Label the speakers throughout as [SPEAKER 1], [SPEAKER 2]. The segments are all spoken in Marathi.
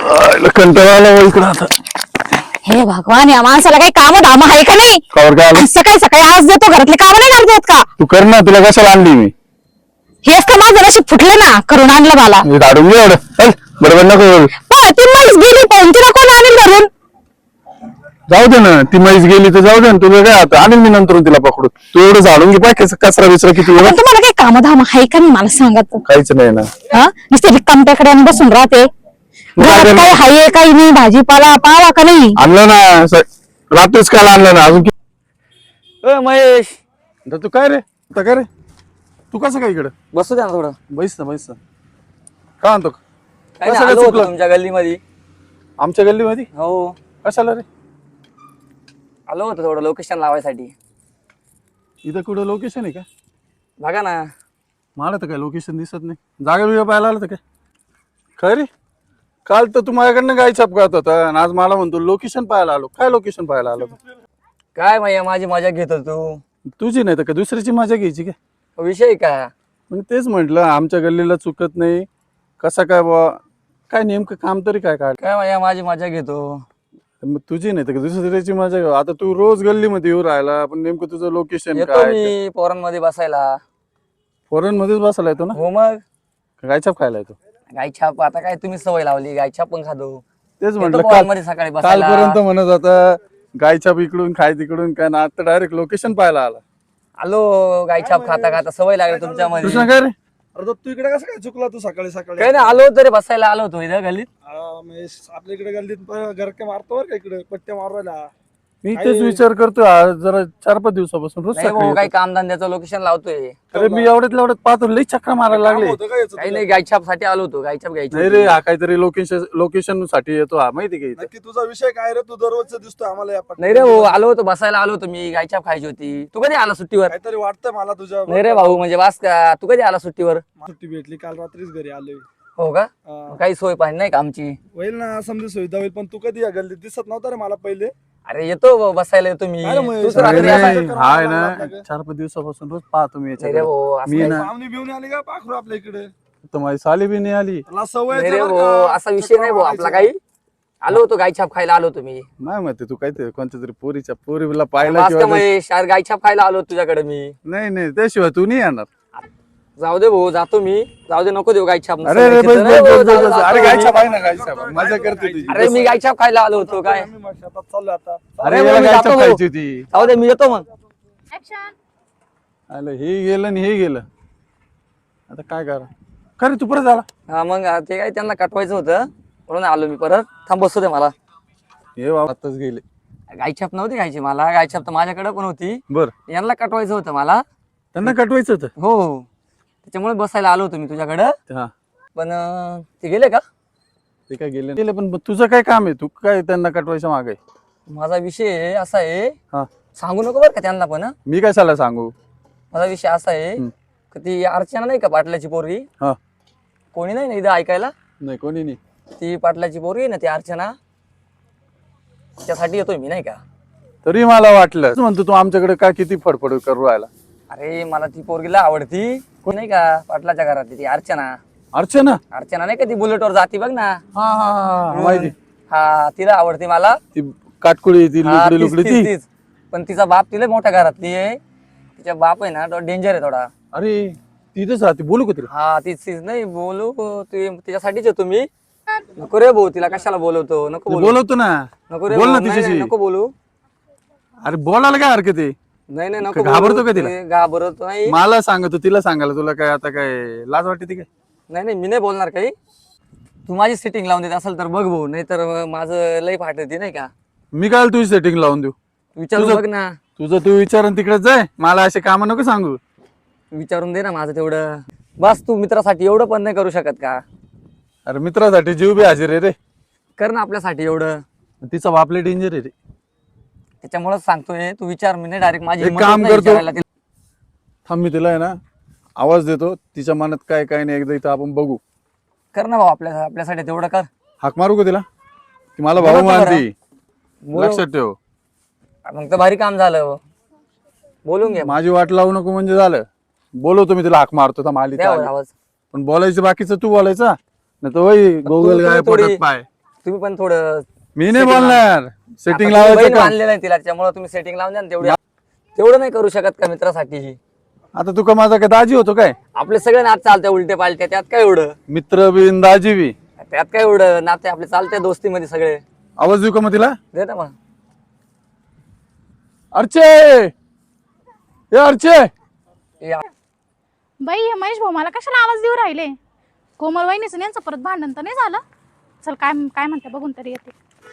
[SPEAKER 1] कंटाळा आला इकडं आता.
[SPEAKER 2] हे भगवान, या माणसाला काही काम धाम आहे का नाही?
[SPEAKER 1] कवर काय आलं?
[SPEAKER 2] सकाळी सकाळी आज देतो, घरातले काम नाही करत का?
[SPEAKER 1] तू कर ना, तुला कशाला आणली मी?
[SPEAKER 2] हेच तर माझं नशीब फुटलं ना, करून आणलं मला.
[SPEAKER 1] मी धाडून घे एवढं. चल, बरोबर नको बोलू.
[SPEAKER 2] ती म्हैस गेली पण तिला कोण आणेल घरून?
[SPEAKER 1] जाऊ दे ना, ती म्हैस गेली तर जाऊ दे ना, तुला काय आता आणेल मी नंतर तिला पकडून. तू एवढं झाडून घे, पाय कचरा बिचरा किती
[SPEAKER 2] पण
[SPEAKER 1] एवढं.
[SPEAKER 2] तुम्हाला काही काम धाम आहे का नाही मला सांगत?
[SPEAKER 1] काहीच नाही ना.
[SPEAKER 2] नुसते रिकामट्याकडे आणि बसून राहते. घरात काही हाय काही नाही, भाजीपाला पावा का नाही?
[SPEAKER 1] आणलं ना, रात्रीच काल आणलं ना अजून.
[SPEAKER 3] महेश,
[SPEAKER 1] तू काय रे आता काय रे, तू कसं काय इकडं?
[SPEAKER 3] बसू द्या ना थोडं.
[SPEAKER 1] बैस ना बैस ना. का आणतो?
[SPEAKER 3] काय
[SPEAKER 1] कसं
[SPEAKER 3] नाही,
[SPEAKER 1] काय
[SPEAKER 3] आलो होतो
[SPEAKER 1] चुकलं?
[SPEAKER 3] तुमच्या गल्लीमध्ये.
[SPEAKER 1] आमच्या गल्लीमध्ये
[SPEAKER 3] हो,
[SPEAKER 1] कशाला रे?
[SPEAKER 3] आलो होतो थोडं लोकेशन लावायसाठी.
[SPEAKER 1] इथं कुठं लोकेशन आहे का?
[SPEAKER 3] बघा ना.
[SPEAKER 1] मला तर काय लोकेशन दिसत नाही. जागा बिगा पाहायला आलं तर काय? काय रे, काल तर तू माझ्याकडनं गाय छापकात होता आणि आज मला म्हणतो लोकेशन पाहायला आलो. काय लोकेशन पाहायला आलो तू?
[SPEAKER 3] काय भैया, माझी मजा घेतो तू.
[SPEAKER 1] तुझी नाही तर काय दुसऱ्याची मजा घ्यायची काय?
[SPEAKER 3] विषय काय?
[SPEAKER 1] मग तेच म्हटलं, आमच्या गल्लीला चुकत नाही कसा काय बा, काय नेमकं काम तरी काय काढ.
[SPEAKER 3] काय भैया, माझी मजा घेतो.
[SPEAKER 1] मग तुझी नाही तर काय दुसऱ्याची मजा घेऊ. आता तू रोज गल्लीमध्ये येऊ राहिला, पण नेमकं तुझं लोकेशन
[SPEAKER 3] येतो
[SPEAKER 1] काय?
[SPEAKER 3] मी पोरांमध्ये बसायला.
[SPEAKER 1] फॉरेन मध्येच बसायला येतो ना?
[SPEAKER 3] हो मग.
[SPEAKER 1] गाय छाप खायला येतो?
[SPEAKER 3] गायछाप आता काय तुम्ही सवय लावली, गायछाप पण खातो.
[SPEAKER 1] तेच
[SPEAKER 3] येतो
[SPEAKER 1] म्हटलं
[SPEAKER 3] पोरांमध्ये सकाळी बसायला.
[SPEAKER 1] कालपर्यंत म्हणत होता गायछाप इकडून खाय तिकडून काय ना, आता डायरेक्ट लोकेशन पाहायला आला.
[SPEAKER 3] आलो गायछाप खाता खाता सवय लागली तुमच्यामध्ये.
[SPEAKER 1] कृष्णा काय रे?
[SPEAKER 4] अरे तू इकडे कसं काय चुकला तू सकाळी सकाळी?
[SPEAKER 3] काय नाही, आलो होतो रे बसायला, आलो होतो इथं गल्लीत.
[SPEAKER 4] आपल्या इकडे गल्लीत गरके मारतो बरं का, इकडे पट्ट्या मारवायला.
[SPEAKER 1] मी तेच विचार करतोय आज जरा 4-5 दिवसापासून रोज
[SPEAKER 3] नाही
[SPEAKER 1] सकाळी
[SPEAKER 3] भाऊ, काही
[SPEAKER 1] येतो.
[SPEAKER 3] कामधंद्याचं लोकेशन लावतोय.
[SPEAKER 1] अरे मी एवढ्यात पाहतो लई चक्रा मारायला लागले.
[SPEAKER 4] होतं का याचं
[SPEAKER 3] काही
[SPEAKER 4] तुला?
[SPEAKER 3] नाही, गायछाप साठी आलो होतो. गायछाप घ्यायची
[SPEAKER 1] नाही रे, हा काहीतरी लोकेशन साठी येतो हा, माहिती का इथं?
[SPEAKER 4] नक्की तुझा विषय काय रे? तू दररोजच दिसतोय आम्हाला या
[SPEAKER 3] नाही रे भाऊ, आलो होतो बसायला, आलो होतो मी. गायछाप खायची होती. तू कधी आला सुट्टीवर?
[SPEAKER 4] काहीतरी वाटतंय मला तुझ्या.
[SPEAKER 3] नाही रे भाऊ, म्हणजे वास का, तू कधी आला सुट्टीवर?
[SPEAKER 4] सुट्टी भेटली काल रात्रीच घरी आलोय.
[SPEAKER 3] हो का? काही सोय पाहिजे नाही का आमची?
[SPEAKER 4] होईल ना, समजा सुविधा होईल, पण तू कधी या गल्लीत दिसत नव्हता रे मला पहिले.
[SPEAKER 3] अरे येतो बसायला, येतो मी.
[SPEAKER 4] काय रे महेश?
[SPEAKER 3] तू तर
[SPEAKER 1] अरे
[SPEAKER 3] रात्री
[SPEAKER 4] नाही,
[SPEAKER 3] असा-
[SPEAKER 4] नाही.
[SPEAKER 1] हाय ना, 4-5 दिवसापासून रोज पाहतो मी
[SPEAKER 3] नाही रे
[SPEAKER 1] याच्याकडे.
[SPEAKER 3] भाऊ, असं
[SPEAKER 1] मी
[SPEAKER 3] काही-
[SPEAKER 1] ना
[SPEAKER 4] पाहुणे बिवणे आली का पाखरू आपल्या इकडे?
[SPEAKER 1] तर माझी साली बी नाही आली.
[SPEAKER 4] मला सवय
[SPEAKER 3] नाही
[SPEAKER 4] आहे
[SPEAKER 3] रे
[SPEAKER 4] बरं
[SPEAKER 3] भाऊ,
[SPEAKER 4] का.
[SPEAKER 3] असा विषय नाही भाऊ आपला काही. आलो होतो गायछाप खायला, आलो होतो मी.
[SPEAKER 1] नाही माहिती तू काहीतरी कोणत्या तरी पोरीला पाहिला
[SPEAKER 3] वास का
[SPEAKER 1] किंवा
[SPEAKER 3] महेश, यार गायछाप खायला आलो होतो तुझ्याकडे मी.
[SPEAKER 1] नाही नाही, त्याशिवाय तू नाही येणार.
[SPEAKER 3] जाऊ दे भाऊ, जातो मी. जाऊ दे, नको देऊ गायछाप.
[SPEAKER 1] अरे रे, बस
[SPEAKER 3] नाही
[SPEAKER 1] बस
[SPEAKER 3] भाऊ,
[SPEAKER 1] बस
[SPEAKER 3] जाऊ
[SPEAKER 1] बस.
[SPEAKER 3] दे,
[SPEAKER 1] अरे
[SPEAKER 3] जातो
[SPEAKER 1] गायछाप
[SPEAKER 3] मी.
[SPEAKER 1] आहे ना, गायछाप मजा करते तुझी.
[SPEAKER 3] अरे मी गायछाप खायला आलो होतो काय.
[SPEAKER 4] मी मग शेतात चाललोय आता.
[SPEAKER 1] अरे
[SPEAKER 3] अरे
[SPEAKER 1] याला
[SPEAKER 3] मी
[SPEAKER 1] गायछाप
[SPEAKER 3] जातो
[SPEAKER 1] खायची होती.
[SPEAKER 3] जाऊ दे, मी येतो मग.
[SPEAKER 1] आलं हे गेलं आणि हे गेलं, आता काय करा. खरे तू परत झाला
[SPEAKER 3] हा मग ते काय त्यांना कटवायचं होतं म्हणून आलो मी परत. थांब, बसू दे मला.
[SPEAKER 1] हे बाबा आताच गेले.
[SPEAKER 3] गायछाप नव्हती खायची मला. गायछाप तर माझ्याकडे पण होती.
[SPEAKER 1] बर,
[SPEAKER 3] यांना कटवायचं होतं मला.
[SPEAKER 1] त्यांना कटवायचं होतं.
[SPEAKER 3] हो, त्याच्यामुळे बसायला आलो होतो मी तुझ्याकडं.
[SPEAKER 1] हा,
[SPEAKER 3] पण ते गेले का?
[SPEAKER 1] ते काय गेले पण तुझं काय काम आहे? तू काय त्यांना कटवायचं मागे?
[SPEAKER 3] माझा विषय असा आहे,
[SPEAKER 1] हा,
[SPEAKER 3] सांगू नको बरं का त्यांना पण.
[SPEAKER 1] मी कशाला सांगू?
[SPEAKER 3] माझा विषय असा आहे
[SPEAKER 1] हम्म.
[SPEAKER 3] की ती अर्चना नाही का पाटलाची पोरगी,
[SPEAKER 1] हा,
[SPEAKER 3] कोणी नाही ना इथं ऐकायला.
[SPEAKER 1] नाही कोणी नाही.
[SPEAKER 3] ती पाटलाची पोरगी आहे ना, ती अर्चना, त्यासाठी येतोय मी नाही का.
[SPEAKER 1] तरी मला वाटलं तू म्हणतो तू आमच्याकडे काय किती फडफड करू राहिला.
[SPEAKER 3] अरे मला ती पोरगीला आवडती, कोणी नाही का पाटलाच्या घरातली ती अर्चना.
[SPEAKER 1] अर्चना?
[SPEAKER 3] अर्चना नाही का ती बुलेटवर जाती बघ ना.
[SPEAKER 1] हा हा हा, माहिती.
[SPEAKER 3] हा, तिला आवडते मला.
[SPEAKER 1] ती काटकुळी, ती
[SPEAKER 3] हा,
[SPEAKER 1] लुकडी
[SPEAKER 3] तीच-
[SPEAKER 1] लुकडी
[SPEAKER 3] तीच-
[SPEAKER 1] ती.
[SPEAKER 3] तीच. पण तिचा बाप तिला मोठ्या घरातली आहे. तिचा बाप आहे ना, तो डेंजर आहे थोडा.
[SPEAKER 1] अरे तिथेच राहते, बोलू का तिला?
[SPEAKER 3] हा, तीच नाही बोलू. तिच्यासाठीच येतो मी. नको रे भाऊ, तिला कशाला बोलवतो? नको बोलू.
[SPEAKER 1] बोलवतो ना,
[SPEAKER 3] नको रे
[SPEAKER 1] बोल ना
[SPEAKER 3] भाऊ, नाही,
[SPEAKER 1] तिच्याशी.
[SPEAKER 3] नाही, नको बोलू.
[SPEAKER 1] अरे बोलायला काय हरकत आहे?
[SPEAKER 3] नाही नाही, नको
[SPEAKER 1] घाबरतो
[SPEAKER 3] बोलू.
[SPEAKER 1] का तिला?
[SPEAKER 3] ते घाबरतो नाही.
[SPEAKER 1] मला सांगतो, तिला सांगायला तुला काय आता काय लाज वाटते ती काय?
[SPEAKER 3] नाही नाही, मी नाही बोलणार काही. तू माझी सेटिंग लावून देत असेल तर बघ भाऊ, नाही तर माझं लय फाटती नाही का.
[SPEAKER 1] मी काय तुझी सेटिंग लावून देऊ?
[SPEAKER 3] विचारून
[SPEAKER 1] तुझं-
[SPEAKER 3] बघ ना.
[SPEAKER 1] तुझं तू विचार तिकडे जाय, मला असे काम नको सांगू.
[SPEAKER 3] विचारून दे ना माझं तेवढं. बस, तू मित्रासाठी एवढं पण नाही करू शकत का?
[SPEAKER 1] अरे मित्रासाठी जीव बी हाजीर आहे रे.
[SPEAKER 3] कर ना आपल्यासाठी एवढं.
[SPEAKER 1] तिचा बापले डेंजर आहे रे.
[SPEAKER 3] त्याच्यामुळेच सांगतोय, तू विचार. मी नाही डायरेक्ट माझी
[SPEAKER 1] एक
[SPEAKER 3] हिंमत
[SPEAKER 1] काम
[SPEAKER 3] होत नाही
[SPEAKER 1] करतो.
[SPEAKER 3] विचारायला तिला.
[SPEAKER 1] थांब, मी तिला आहे ना आवाज देतो, तिच्या मनात काय काय नाही एकदा इथं आपण बघू.
[SPEAKER 3] कर ना भाऊ, आपल्यासाठी तेवढं कर.
[SPEAKER 1] हाक मारू का तिला? की मला भाऊ
[SPEAKER 3] बोलवतो बरं.
[SPEAKER 1] मानती,
[SPEAKER 3] बोलव.
[SPEAKER 1] लक्षात ठेव.
[SPEAKER 3] मग तर भारी काम झालं. बोलून घे.
[SPEAKER 1] माझी वाट लावू नको म्हणजे झालं. बोलवतो मी तिला, हाक मारतो. थांब, आली तर
[SPEAKER 3] द्या
[SPEAKER 1] आली.
[SPEAKER 3] आवाज.
[SPEAKER 1] पण बोलायचं बाकीचं तू बोलायचा नाही तर वही गोगल
[SPEAKER 3] तू
[SPEAKER 1] गाय
[SPEAKER 3] थोडी-
[SPEAKER 1] पोटात पाय.
[SPEAKER 3] तुम्ही पण थोडं
[SPEAKER 1] मी नाही
[SPEAKER 3] setting
[SPEAKER 1] बोलणार सेटिंग
[SPEAKER 3] आता तुम्ही
[SPEAKER 1] लावायचं
[SPEAKER 3] बहीण
[SPEAKER 1] का
[SPEAKER 3] मानलेलं आहे तिला, त्याच्यामुळे तुम्ही सेटिंग लावून द्या ना तेवढं. तेवढं नाही करू शकत का मित्रासाठी?
[SPEAKER 1] आता तू का माझा काय दाजी होतो काय
[SPEAKER 3] आपले सगळे नात चालते उलटे पालटे, त्यात काय एवढं?
[SPEAKER 1] मित्र बिन दाजी बी
[SPEAKER 3] त्यात काय एवढं? नाते आपले चालते दोस्तीमध्ये सगळे.
[SPEAKER 1] आवाज देऊ का मग तिला
[SPEAKER 3] दे ना मग.
[SPEAKER 1] अर्चे ए अर्चे
[SPEAKER 3] या.
[SPEAKER 2] बाई हे महेश भाऊ मला कशाला आवाज देऊ राहिले? कोमल वहिनीचं यांचं परत भांडण तर नाही झालं? चल काय काय म्हणते बघून तरी येते.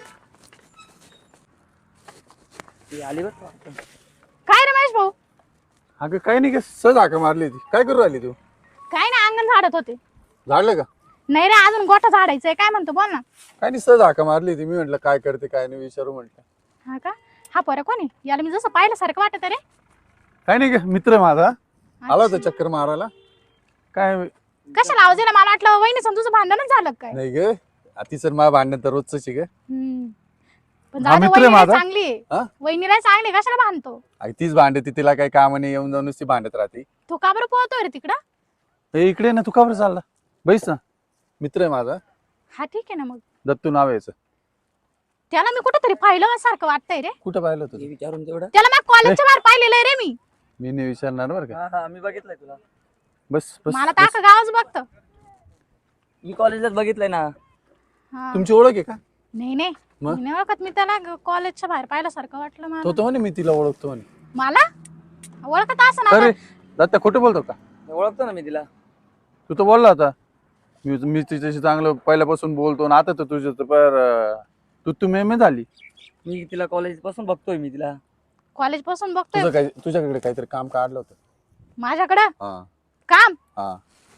[SPEAKER 3] ती आली बरं का?
[SPEAKER 2] काय रे महेश भाऊ?
[SPEAKER 1] अगं काय नाही, काय सहज हाका मारली ती. काय करू राहिली तू?
[SPEAKER 2] काय नाही, अंगण झाडत होते.
[SPEAKER 1] झाडलं का?
[SPEAKER 2] नाही रे, अजून गोठा झाडायचंय. काय म्हणतो बोल ना.
[SPEAKER 1] काय नाही, सहज हाका मारली ती. मी म्हटलं काय करते काय नाही विचारू म्हटलं.
[SPEAKER 2] हा का? हा पोरं कोणी? याला मी जसं पाहिल्यासारखं वाटत रे.
[SPEAKER 1] काय नाही ग, मित्र माझा आला होता चक्कर मारायला. काय
[SPEAKER 2] कशाला आवाज दिला? मला वाटलं वहिनी तुझं भांडणच झालं का काय.
[SPEAKER 1] नाही ग, तिचं माझं भांडण तर रोजच ग.
[SPEAKER 2] पण
[SPEAKER 1] हा
[SPEAKER 2] जाऊ दे,
[SPEAKER 1] मित्र आहे
[SPEAKER 2] वहिनीला
[SPEAKER 1] माझा.
[SPEAKER 2] चांगली आहे.
[SPEAKER 1] हा?
[SPEAKER 2] वहिनीला चांगली आहे, कशाला भांडतो?
[SPEAKER 1] अगं तीच भांडते, तिला काही काम नाही, येऊन जाऊन ती भांडत राहते.
[SPEAKER 2] तू का बरं पोहतोय रे तिकडं?
[SPEAKER 1] ए इकडे ना, तू का बरं चालला? बैस ना, मित्र आहे माझा,
[SPEAKER 2] हा ठीक आहे ना मग.
[SPEAKER 1] दत्तू नाव आहे याचं.
[SPEAKER 2] त्याला मी कुठेतरी पाहिलं सारखं वाटतंय रे.
[SPEAKER 1] कुठं पाहिलं
[SPEAKER 3] हे
[SPEAKER 1] तुझं?
[SPEAKER 3] विचारून तेवढं.
[SPEAKER 2] त्याला मी कॉलेजच्या बाहेर पाहिलेलं आहे रे मी.
[SPEAKER 1] मी नाही विचारणार बरं का.
[SPEAKER 3] हा हा, मी बघितलंय तुला.
[SPEAKER 1] बस बस
[SPEAKER 2] मला तर अख्खं गावच बघतं.
[SPEAKER 3] मी कॉलेजलाच बघितलंय ना.
[SPEAKER 2] हा.
[SPEAKER 1] तुमची ओळख आहे का?
[SPEAKER 2] नाही नाही,
[SPEAKER 1] मग?
[SPEAKER 2] मी नाही ओळखत. मी त्याला कॉलेजच्या बाहेर पाहिल्यासारखं वाटलं मला.
[SPEAKER 1] तो म्हणे मी तिला ओळखतो म्हणे.
[SPEAKER 2] मला ओळखत असं ना.
[SPEAKER 1] अरे दत्ता खोटं बोलतो का?
[SPEAKER 3] ओळखतो ना मी तिला.
[SPEAKER 1] तू तर बोलला होता मी तिच्याशी चांगलं पहिल्यापासून बोलतो आणि आता तर तुझं तर तू मेमे झाली.
[SPEAKER 3] मी तिला कॉलेज पासून बघतोय मी तिला.
[SPEAKER 2] कॉलेज पासून बघतोय.
[SPEAKER 1] तुझं काय, तुझ्याकडे काहीतरी काम काढलं होतं.
[SPEAKER 2] माझ्याकडं
[SPEAKER 1] हा
[SPEAKER 2] काम?
[SPEAKER 1] हा.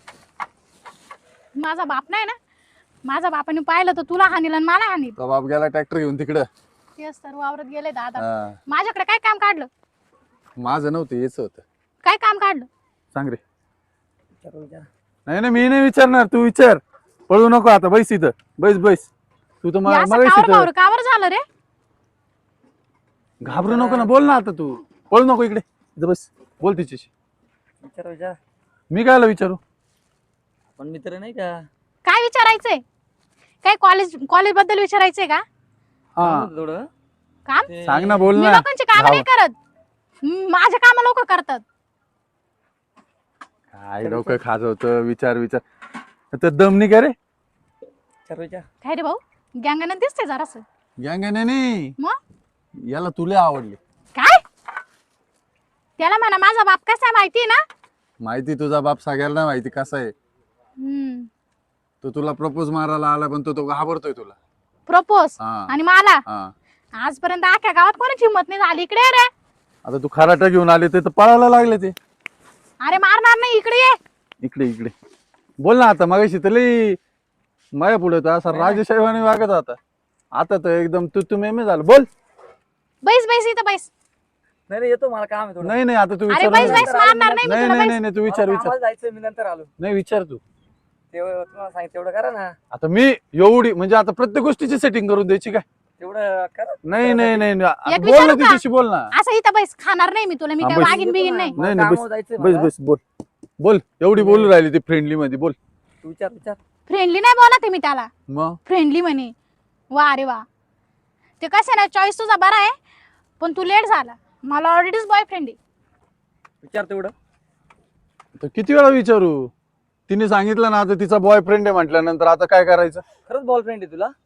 [SPEAKER 2] माझा बाप नाही ना. माझा बापाने पाहिलं तर तुला हानील आणि मला हानील.
[SPEAKER 1] तो बाप गेला ट्रॅक्टर घेऊन तिकडं.
[SPEAKER 2] तेच तर वावरत गेले दादा.
[SPEAKER 1] हा.
[SPEAKER 2] माझ्याकडे काय काम काढलं?
[SPEAKER 1] माझं नव्हतं, याच होतं.
[SPEAKER 2] काय काम काढलं?
[SPEAKER 1] सांग रे.
[SPEAKER 3] विचारू विचार.
[SPEAKER 1] नाही नाही, मी नाही विचारणार, तू विचार. पळू नको आता, बैस इथं, बैस बैस. तू तर
[SPEAKER 2] हे असं
[SPEAKER 1] मला
[SPEAKER 2] कावर कावर झालं रे?
[SPEAKER 1] घाबरू नको ना, बोल ना आता तू. पळू नको, इकडे इथं बस, बोल तिच्याशी.
[SPEAKER 3] विचार विचार.
[SPEAKER 1] मी कायला विचारू?
[SPEAKER 3] पण मित्र नाही का?
[SPEAKER 2] काय विचारायचंय? काय कॉलेज बद्दल विचारायचंय का?
[SPEAKER 1] हा
[SPEAKER 3] सांगू थोडं.
[SPEAKER 2] काम?
[SPEAKER 3] ते-
[SPEAKER 1] सांग ना, बोल
[SPEAKER 2] मी
[SPEAKER 1] ना.
[SPEAKER 2] लोकांची काम नाही करत. माझे काम लोक करतात.
[SPEAKER 1] काय डोकं खाजवतं, विचार विचार. तर दमनी का रे?
[SPEAKER 3] विचार विचार.
[SPEAKER 2] काय रे भाऊ, गँगनं दिसते जरासं.
[SPEAKER 1] गँग नाही,
[SPEAKER 2] मग
[SPEAKER 1] याला तुला आवडली.
[SPEAKER 2] काय? त्याला म्हणा माझा बाप कसा आहे माहिती ना?
[SPEAKER 1] माहिती, तुझा बाप सगळ्यांना माहिती कसा आहे.
[SPEAKER 2] हम्म.
[SPEAKER 1] तो तुला प्रपोज मारायला आला, पण तो घाबरतोय तुला.
[SPEAKER 2] प्रपोज
[SPEAKER 1] हा.
[SPEAKER 2] आणि मला
[SPEAKER 1] हा,
[SPEAKER 2] आजपर्यंत अख्ख्या गावात कोणाची हिंमत नाही झाली. इकडे ये रे.
[SPEAKER 1] आता तू खराटा घेऊन आले ते तर पळायला लागले ते.
[SPEAKER 2] अरे मारणार नाही, इकडे ये.
[SPEAKER 1] इकडे इकडे बोल ना आता. मगाशी तर लई माया पुढे तर असा राजशाहीवाने वागत होता, आता तर एकदम तू मेमे झालं. बोल.
[SPEAKER 2] बैस बैस इथं बैस.
[SPEAKER 3] नाही नाही, येतो, मला काम आहे थोडं.
[SPEAKER 1] नाही नाही, आता तू
[SPEAKER 2] अरे
[SPEAKER 1] विचार.
[SPEAKER 2] बैस बैस, मारणार नाही मी
[SPEAKER 1] नाही
[SPEAKER 2] तुला.
[SPEAKER 1] नाही
[SPEAKER 2] बैस.
[SPEAKER 1] नाही, तू विचार
[SPEAKER 3] मला
[SPEAKER 1] विचार.
[SPEAKER 3] कामाला जायचंय, मी नंतर आलो.
[SPEAKER 1] नाही विचार तू.
[SPEAKER 3] तुम्हाला सांग तेवढं करा ना.
[SPEAKER 1] आता मी एवढी म्हणजे आता प्रत्येक गोष्टीची सेटिंग करून द्यायची काय?
[SPEAKER 3] तेवढं करा.
[SPEAKER 1] नाही नाही नाही नाही. आता
[SPEAKER 2] एक
[SPEAKER 1] बोल ना
[SPEAKER 2] विचारू का?
[SPEAKER 1] तिच्याशी, बोल ना.
[SPEAKER 2] असं इथं बैस. खाणार नाही मी तुला. मी
[SPEAKER 1] हा,
[SPEAKER 2] काय
[SPEAKER 1] बैस.
[SPEAKER 2] वागीन बिगीन नाही.
[SPEAKER 1] नाही
[SPEAKER 3] मला
[SPEAKER 1] नाही,
[SPEAKER 3] कामावर जायचंय
[SPEAKER 1] बस
[SPEAKER 3] मला.
[SPEAKER 1] बस बोल बोल. एवढी बोलू राहिली ती फ्रेंडली मध्ये, बोल.
[SPEAKER 3] तू विचार विचार.
[SPEAKER 2] फ्रेंडली नाही बोलत आहे मी त्याला.
[SPEAKER 1] मग
[SPEAKER 2] फ्रेंडली म्हणे. वा अरे वा. ते कसं ना, चॉईस तुझा बरा आहे, पण तू लेट झाला. मला ऑलरेडीच बॉयफ्रेंड आहे.
[SPEAKER 3] विचार तेवढं.
[SPEAKER 1] तर किती वेळा विचारू? तिने सांगितलं ना आता तिचा बॉयफ्रेंड आहे म्हटल्यानंतर आता काय करायचं?
[SPEAKER 3] खरंच बॉयफ्रेंड आहे तुला?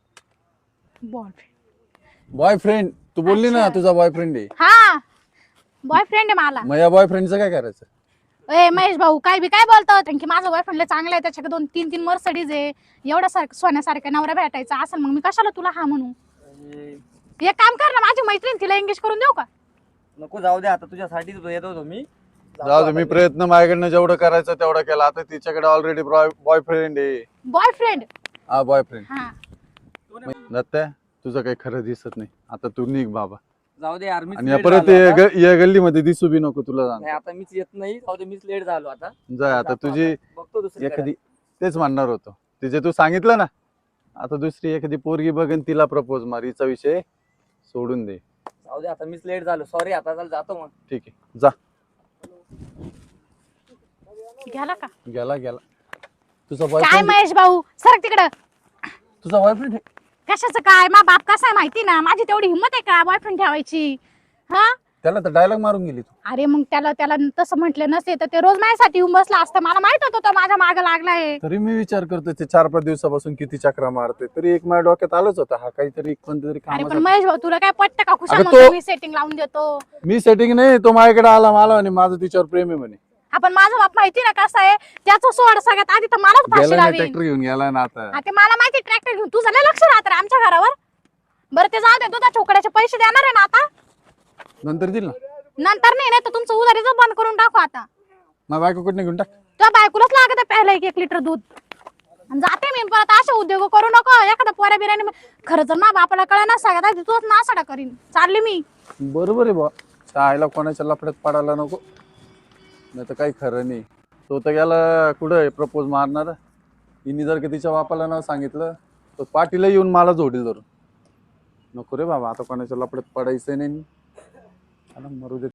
[SPEAKER 2] बॉयफ्रेंड?
[SPEAKER 1] बॉयफ्रेंड तू बोलली ना, तुझा बॉयफ्रेंड आहे.
[SPEAKER 2] हा, बॉयफ्रेंड आहे मला.
[SPEAKER 1] मग या बॉयफ्रेंडचं काय करायचं?
[SPEAKER 2] ए महेश भाऊ, काय बी काय बोलतो? कारण की माझा बॉयफ्रेंड चांगला आहे, त्याच्याकडे 2-3 मर्सडीज आहे. एवढा सोन्यासारखा नवरा भेटायचा असेल, मग मी कशाला तुला हा म्हणू? एक काम कर ना, माझी मैत्रीण तिला एंगेज करून देऊ का?
[SPEAKER 3] नको, जाऊ दे, आता तुझ्यासाठी येत होतो मी.
[SPEAKER 1] जाऊ दे, मी प्रयत्न माझ्याकडनं जेवढं करायचं तेवढं केला. आता तिच्याकडे ऑलरेडी बॉयफ्रेंड आहे.
[SPEAKER 2] बॉयफ्रेंड?
[SPEAKER 1] हा बॉयफ्रेंड.
[SPEAKER 2] हा.
[SPEAKER 1] दत्ता, तुझं काही खरं दिसत नाही. आता तू निघ बाबा.
[SPEAKER 3] जाऊ दे यार, मीच
[SPEAKER 1] आणि
[SPEAKER 3] late
[SPEAKER 1] परत
[SPEAKER 3] झालो आता.
[SPEAKER 1] या गल्लीमध्ये दिसू बी नको तुला.
[SPEAKER 3] नाही, आता मीच येत नाही. जाऊ दे, मीच लेट झालो आता.
[SPEAKER 1] जाय आता. तुझी
[SPEAKER 3] बघतो दुसरी
[SPEAKER 1] एखादी, तेच म्हणणार होतो, तिचे तू सांगितलं ना, आता दुसरी एखादी पोरगी बघन तिला प्रपोज मार. हिचा विषय सोडून दे.
[SPEAKER 3] जाऊ दे, आता मीच लेट झालो. सॉरी, आता चल जातो मग.
[SPEAKER 1] ठीक आहे, जा.
[SPEAKER 2] गेला का?
[SPEAKER 1] गेला गेला. तुझा
[SPEAKER 2] काय
[SPEAKER 1] बॉयफ्रेंड,
[SPEAKER 2] महेश भाऊ, सरक तिकडं.
[SPEAKER 1] तुझा बॉयफ्रेंड आहे.
[SPEAKER 2] कशाचं काय मा बाप कसा आहे माहिती ना, माझी तेवढी हिंमत आहे का बॉयफ्रेंड ठेवायची? हा
[SPEAKER 1] त्याला तर डायलॉग मारून गेली तू.
[SPEAKER 2] अरे मग त्याला तसं म्हटलं नसते तर ते रोज माझ्यासाठी येऊन बसला असतं. मला माहित होतं तो माझ्या मागे लागलाय.
[SPEAKER 1] तरी मी विचार करतो ते 4-5 दिवसापासून किती चक्रा मारते, तरी एक माझ्या डोक्यात आलंच होतं हा काहीतरी कोणतरी
[SPEAKER 2] अरे पण
[SPEAKER 1] काम.
[SPEAKER 2] महेश भाऊ तुला काय पटतं का? खुशाल
[SPEAKER 1] अगं
[SPEAKER 2] म्हणतो
[SPEAKER 1] तो-
[SPEAKER 2] मी सेटिंग लावून देतो.
[SPEAKER 1] मी सेटिंग नाही, तो माझ्याकडे आला मला म्हणे माझं तिच्यावर प्रेम आहे म्हणे.
[SPEAKER 2] आपण माझा बाप माहिती ना कसा आहे, त्याचं सोड सगळ्यात आधी तर मलाच फाशी
[SPEAKER 1] गेला ना
[SPEAKER 2] लावीन.
[SPEAKER 1] ट्रॅक्टर घेऊन गेला ना आता.
[SPEAKER 2] ते मला माहिती ट्रॅक्टर घेऊन तुझं लय लक्ष राहत रे आमच्या घरावर. बरं ते जाऊ दे, तुझ्या छोकड्याचे पैसे देणार आहे ना आता?
[SPEAKER 1] नंतर दिल ना.
[SPEAKER 2] नंतर नाही तर तुमचं उधारीच बंद करून टाकू आता.
[SPEAKER 1] माझ्या बायको कुठे घेऊन टाक.
[SPEAKER 2] तुझ्या बायकोलाच लागत आहे प्यायला 1 लिटर दूध. आणि जाते मी परत. असे उद्योग करू नको. एखादा पोऱ्या बिर्याणी खरं जर ना बापाला कळलं ना सगळ्यात आधी तूच नासाडा करीन. चालली मी.
[SPEAKER 1] बरोबर आहे बा, त्या आईला कोणाच्या लफड्यात पडायला नको, नाही तर काही खरं नाही. तो तर गेला कुठं प्रपोज मारणार. हिने जर का तिच्या बापाला न सांगितलं तर पाटीला येऊन मला जोडील धरून. नको रे बाबा, आता कोणाच्या लफड्यात पडायचं नाही. मरू दे.